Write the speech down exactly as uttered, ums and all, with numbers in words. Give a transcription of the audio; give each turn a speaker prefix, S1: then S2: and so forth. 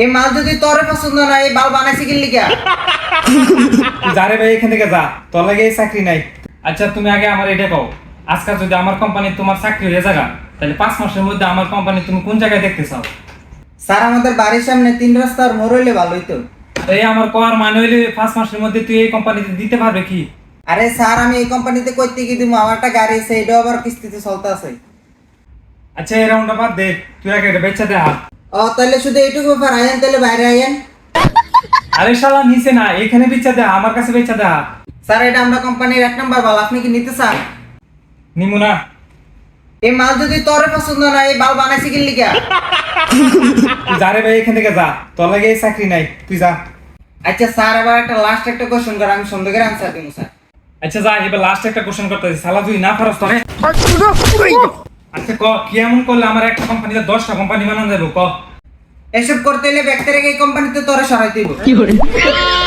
S1: এই মাল যদি তোরে পছন্দ না, এই বাল বানাইছি কি লিগা?
S2: যারে ভাই এখান থেকে যা, তোর লাগে এই চাকরি নাই। আচ্ছা তুমি আগে আমার এটা কও, আজকাল যদি আমার কোম্পানি তোমার চাকরি হয়ে যাগা, তাহলে পাঁচ মাসের মধ্যে আমার কোম্পানি তুমি কোন জায়গায় দেখতে চাও?
S1: স্যার আমাদের বাড়ির সামনে তিন রাস্তার মোড় হইলে ভালো হইতো।
S2: এই আমার কোয়ার মানে হইলে পাঁচ মাসের মধ্যে তুই এই কোম্পানিতে দিতে পারবে কি?
S1: আরে স্যার আমি এই কোম্পানিতে করতে কি দিব? আমার একটা গাড়ি আছে, এটাও আবার কিস্তিতে চলতে আছে।
S2: আচ্ছা এই রাউন্ডটা বাদ দে, তুই আগে এটা বেচা দে হাত।
S1: ও তাহলে শুধু এইটুকু ব্যাপার, আইন তাহলে বাইরে আইন।
S2: আরে শালা নিচে না, এখানে বেচা দে, আমার কাছে বেচা দে হাত।
S1: স্যার এটা আমরা কোম্পানির এক নাম্বার বাল, আপনি কি নিতে চান?
S2: নিমু না।
S1: এই মাল যদি তোরে পছন্দ না, এই বাল বানাইছি কি লিগা?
S2: তুই যারে ভাই এখান থেকে যা, তোর লাগে এই চাকরি নাই, তুই যা।
S1: আচ্ছা স্যার এবার একটা লাস্ট একটা কোশ্চেন করে, আমি সুন্দর করে আনসার দিব স্যার।
S2: আচ্ছা যা, এবার লাস্ট একটা কোশ্চেন করতেছি, শালা তুই না পারস তোরে। আচ্ছা ক, কি এমন করলে আমার একটা কোম্পানিতে দশটা কোম্পানি বানানো যাবে ক?
S1: এসব করতে হলে ব্যক্তি রেখে এই কোম্পানিতে তোরে সরাই দিব।